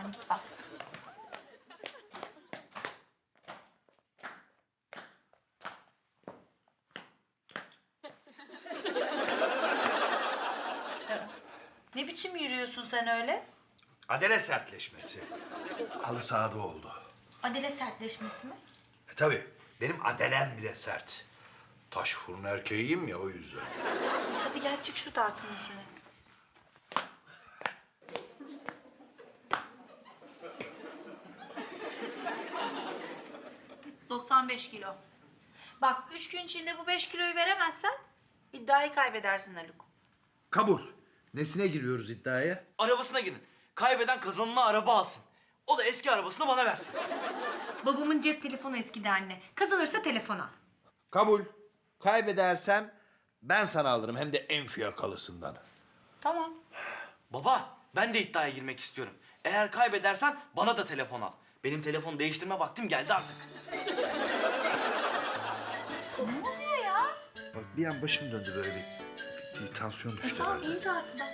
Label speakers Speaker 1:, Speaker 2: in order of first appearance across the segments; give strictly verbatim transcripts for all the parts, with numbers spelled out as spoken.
Speaker 1: Al. Ne biçim yürüyorsun sen öyle?
Speaker 2: Adele sertleşmesi. Halı sahada oldu.
Speaker 3: Adele sertleşmesi mi?
Speaker 2: E tabii benim adelem bile sert. Taş fırın erkeğiyim ya o yüzden.
Speaker 1: Hadi gel çık şu tartının üstüne. doksan beş kilo. Bak üç gün içinde bu beş kiloyu veremezsen iddiayı kaybedersin Haluk.
Speaker 4: Kabul. Nesine giriyoruz iddiaya?
Speaker 5: Arabasına girin. Kaybeden kazanına araba alsın. O da eski arabasını bana versin.
Speaker 3: Babamın cep telefonu eskidi anne. Kazanırsa telefon al.
Speaker 4: Kabul. Kaybedersem ben sana alırım hem de en fiyakalısından.
Speaker 1: Tamam.
Speaker 5: Baba, ben de iddiaya girmek istiyorum. Eğer kaybedersen bana da telefon al. Benim telefon değiştirme vaktim geldi artık.
Speaker 1: Ne oluyor ya?
Speaker 2: Bak bir an başım döndü böyle bir, bir tansiyon düştü
Speaker 1: Tamam
Speaker 2: herhalde.
Speaker 1: in tartıdan.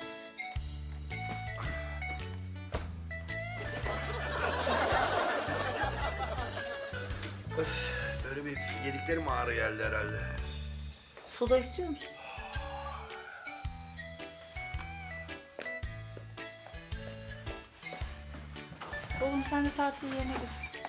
Speaker 2: Öf, böyle bir yediklerim ağrı geldi herhalde.
Speaker 1: Soda istiyor musun? Oğlum sen de tartıyı yerine götür.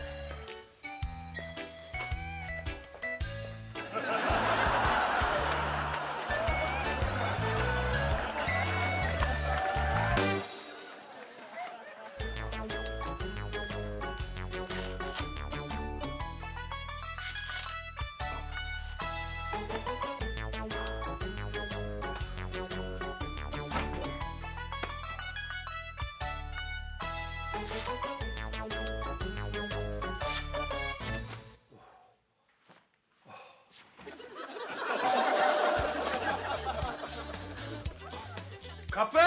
Speaker 2: Kapı!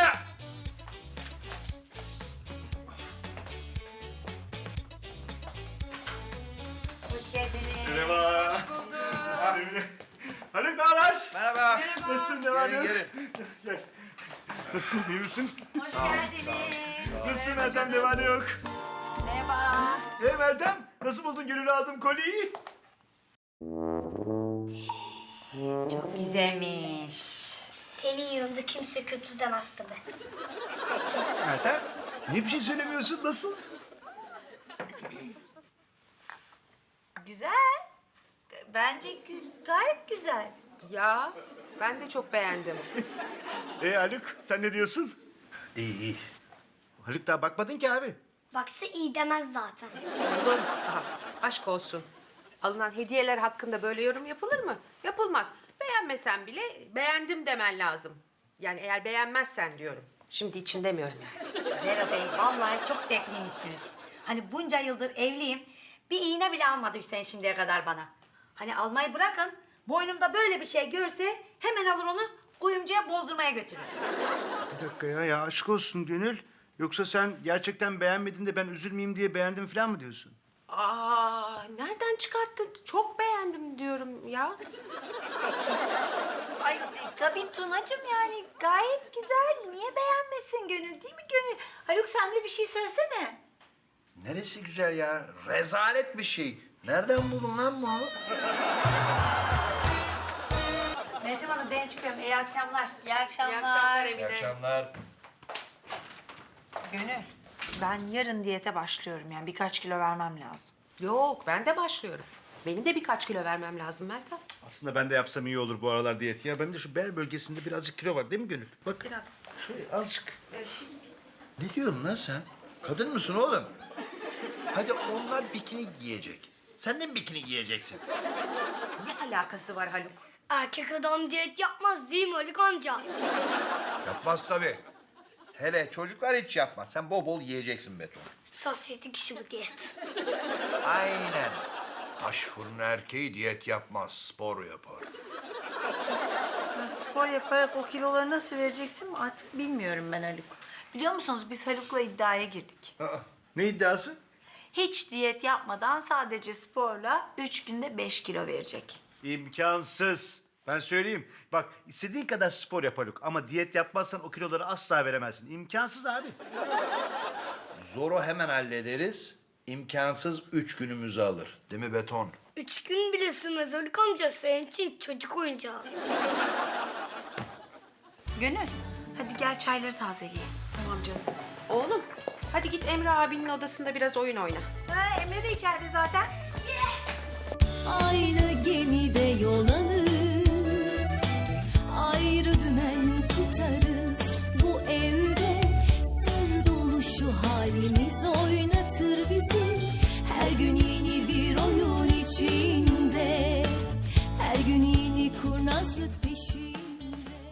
Speaker 1: Hoş geldiniz.
Speaker 6: Merhaba. Hoş bulduk. Haluk ne haber?
Speaker 4: Merhaba.
Speaker 6: Nasılsın, ne var ne
Speaker 4: Gelin
Speaker 6: yok?
Speaker 4: gelin.
Speaker 6: Nasılsın, iyi misin?
Speaker 1: Hoş geldiniz.
Speaker 6: Nasılsın Meltem, ne var ne yok?
Speaker 1: Merhaba.
Speaker 6: Hey Meltem, nasıl buldun gönül aldığım kolyeyi?
Speaker 3: Çok güzelmiş.
Speaker 7: Senin yanında kimse kötü demez tabii.
Speaker 6: Meltem, niye bir şey söylemiyorsun, nasıl?
Speaker 1: Güzel. Bence gü- gayet güzel.
Speaker 8: Ya ben de çok beğendim.
Speaker 6: Ee Haluk, sen ne diyorsun?
Speaker 2: İyi iyi.
Speaker 6: Haluk daha bakmadın ki abi.
Speaker 7: Baksa iyi demez zaten.
Speaker 8: Oğlum, aha, aşk olsun. Alınan hediyeler hakkında böyle yorum yapılır mı? Yapılmaz. Beğenmesen bile beğendim demen lazım. Yani eğer beğenmezsen diyorum. Şimdi için demiyorum yani.
Speaker 9: Zero Bey, vallahi çok zevkliymişsiniz. Hani bunca yıldır evliyim, bir iğne bile almadı Hüseyin şimdiye kadar bana. Hani almayı bırakın, boynumda böyle bir şey görse hemen alır onu kuyumcuya bozdurmaya götürür.
Speaker 6: Bir dakika ya, ya aşk olsun Gönül. Yoksa sen gerçekten beğenmedin de ben üzülmeyeyim diye beğendim falan mı diyorsun?
Speaker 8: Aa, nereden çıkarttın? Çok beğendim diyorum ya.
Speaker 1: Ay e, tabii Tunacığım yani gayet güzel. Niye beğenmesin Gönül değil mi Gönül? Haluk sen de bir şey söylesene.
Speaker 4: Neresi güzel ya? Rezalet bir şey. Nereden buldun lan bunu?
Speaker 9: Meltem Hanım ben çıkıyorum, iyi akşamlar.
Speaker 1: İyi akşamlar.
Speaker 8: İyi akşamlar
Speaker 4: İyi
Speaker 8: Emine.
Speaker 4: akşamlar.
Speaker 1: Gönül ben yarın diyete başlıyorum yani birkaç kilo vermem lazım.
Speaker 8: Yok, ben de başlıyorum. Benim de birkaç kilo vermem lazım Meltem.
Speaker 6: Aslında ben de yapsam iyi olur bu aralar diyeti ya. Benim de şu bel bölgesinde birazcık kilo var değil mi Gönül? Bak.
Speaker 8: Biraz.
Speaker 4: Şöyle azıcık. Ne diyorsun lan sen? Kadın mısın oğlum? Hadi onlar bikini giyecek. Sen de mi bikini giyeceksin?
Speaker 8: Ne alakası var Haluk?
Speaker 7: Erkek adam diyet yapmaz değil mi Haluk amca?
Speaker 4: Yapmaz tabii. Hele çocuklar hiç yapmaz. Sen bol bol yiyeceksin beton.
Speaker 7: Sosyetik işi bu diyet.
Speaker 2: Aynen. Taş fırın erkeği diyet yapmaz, spor yapar.
Speaker 1: Ya spor yaparak o kiloları nasıl vereceksin artık bilmiyorum ben Haluk. Biliyor musunuz biz Haluk'la iddiaya girdik.
Speaker 6: Aa, ne iddiası?
Speaker 1: Hiç diyet yapmadan sadece sporla üç günde beş kilo verecek.
Speaker 6: İmkansız. Ben söyleyeyim. Bak istediğin kadar spor yap Haluk ama diyet yapmazsan o kiloları asla veremezsin. İmkansız abi.
Speaker 4: Zoru hemen hallederiz. İmkansız üç günümüzü alır.
Speaker 2: Değil mi beton?
Speaker 7: Üç gün bile sürmez Haluk amca. Senin için çocuk oyuncağı.
Speaker 1: Gönül, hadi gel çayları tazeleyelim.
Speaker 8: Tamam canım. Oğlum hadi git Emre abinin odasında biraz oyun oyna.
Speaker 1: Ha, Emre de içeride zaten.
Speaker 10: Aynı gemide yol alır, ayrı dümen tutarız. Bu evde sır dolu şu halimiz oynatır bizi. Her gün yeni bir oyun içinde, her gün yeni kurnazlık.